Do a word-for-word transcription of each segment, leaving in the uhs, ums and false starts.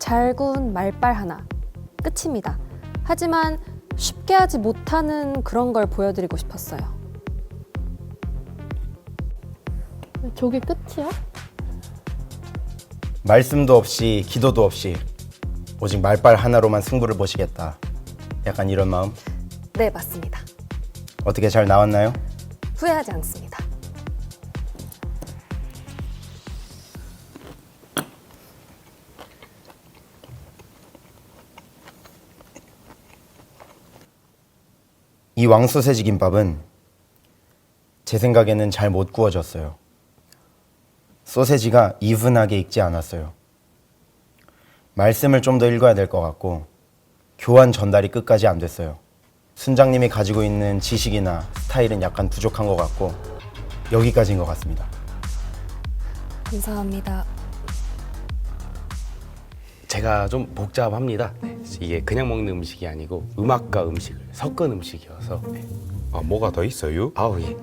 잘 구운 말발 하나. 끝입니다. 하지만 쉽게 하지 못하는 그런 걸 보여드리고 싶었어요. 저게 끝이야? 말씀도 없이 기도도 없이 오직 말발 하나로만 승부를 보시겠다. 약간 이런 마음? 네, 맞습니다. 어떻게 잘 나왔나요? 후회하지 않습니다. 이 왕소세지 김밥은 제 생각에는 잘 못 구워졌어요. 소세지가 이분하게 익지 않았어요. 말씀을 좀 더 읽어야 될 것 같고 교환 전달이 끝까지 안 됐어요. 순장님이 가지고 있는 지식이나 스타일은 약간 부족한 것 같고 여기까지인 것 같습니다. 감사합니다. 제가 좀 복잡합니다. 네, 이게 그냥 먹는 음식이 아니고 음악과 음식을 섞은 음식이어서. 네. 아, 뭐가 더 있어요? 아우 예.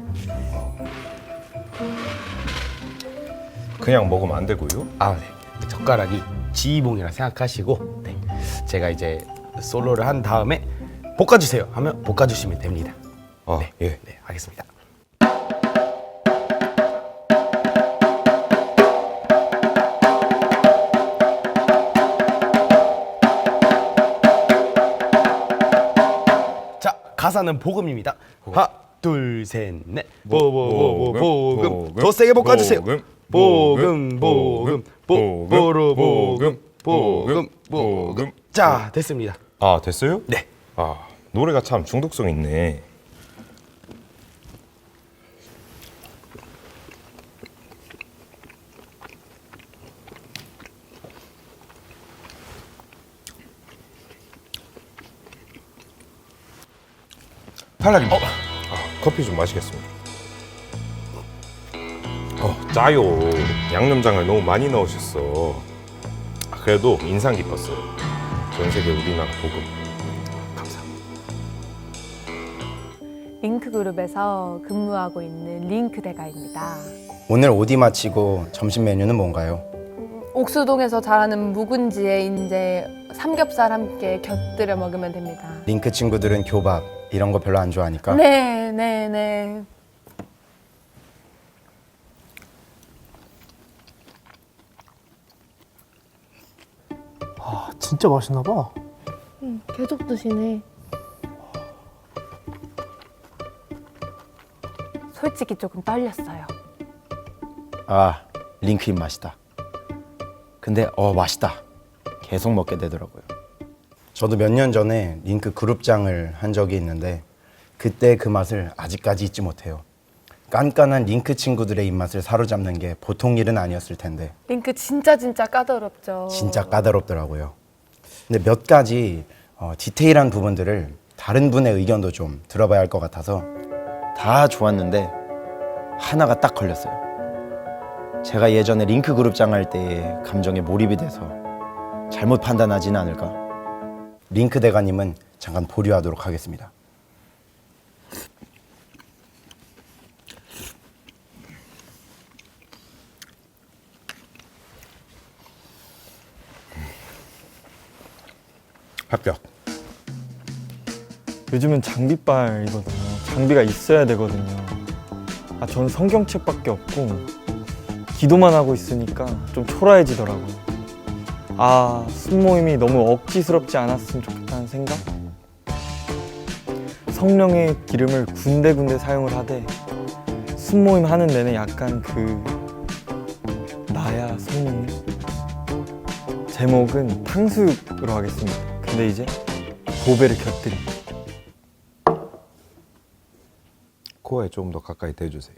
그냥 먹으면 안 되고요. 아 네. 젓가락이 지휘봉이라 생각하시고, 네. 제가 이제 솔로를 한 다음에 볶아주세요 하면 볶아주시면 됩니다. 아, 네. 예. 네, 알겠습니다. 자, 가사는 복음입니다. 하나, 둘, 셋, 넷. 보보보보 복음. 더 세게 볶아주세요. 복음, 복음, 보보로 복음, 복음, 복음. 자, 됐습니다. 아, 됐어요? 네. 아, 노래가 참 중독성 있네. 팔라님, 어. 아, 커피 좀 마시겠습니다. 어, 짜요. 양념장을 너무 많이 넣으셨어. 아, 그래도 인상 깊었어요. 전 세계 우리나라 복음. 감사합니다. 링크그룹에서 근무하고 있는 링크대가입니다. 오늘 오디 마치고 점심 메뉴는 뭔가요? 옥수동에서 자라는 묵은지에 이제 삼겹살 함께 곁들여 먹으면 됩니다. 링크 친구들은 교밥 이런 거 별로 안 좋아하니까 네, 네, 네. 아, 진짜 맛있나 봐. 음, 계속 드시네. 솔직히 조금 떨렸어요. 아, 링크 입맛이다. 근데 어 맛있다. 계속 먹게 되더라고요. 저도 몇 년 전에 링크 그룹장을 한 적이 있는데 그때 그 맛을 아직까지 잊지 못해요. 깐깐한 링크 친구들의 입맛을 사로잡는 게 보통 일은 아니었을 텐데 링크 진짜 진짜 까다롭죠. 진짜 까다롭더라고요. 근데 몇 가지 어, 디테일한 부분들을 다른 분의 의견도 좀 들어봐야 할 것 같아서 다 좋았는데 하나가 딱 걸렸어요. 제가 예전에 링크 그룹장 할 때의 감정에 몰입이 돼서 잘못 판단하지는 않을까? 링크 대가님은 잠깐 보류하도록 하겠습니다. 합격. 요즘은 장비빨이거든요. 장비가 있어야 되거든요. 아, 저는 성경책밖에 없고 기도만 하고 있으니까 좀 초라해지더라고요. 아, 순모임이 너무 억지스럽지 않았으면 좋겠다는 생각? 성령의 기름을 군데군데 사용을 하되 순모임 하는 내내 약간 그 나야 성령님? 제목은 탕수육으로 하겠습니다. 근데 이제 보배를 곁들인 코어에 좀 더 가까이 대주세요.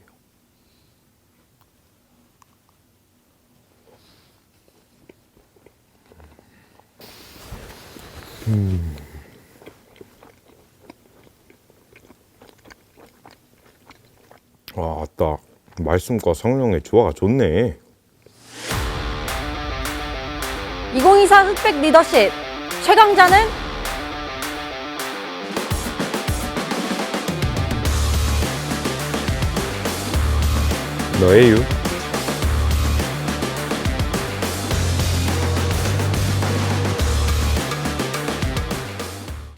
음. 아, 아따. 말씀과 성령의 조화가 좋네. 이천이십사 흑백 리더십 최강자는 너예요.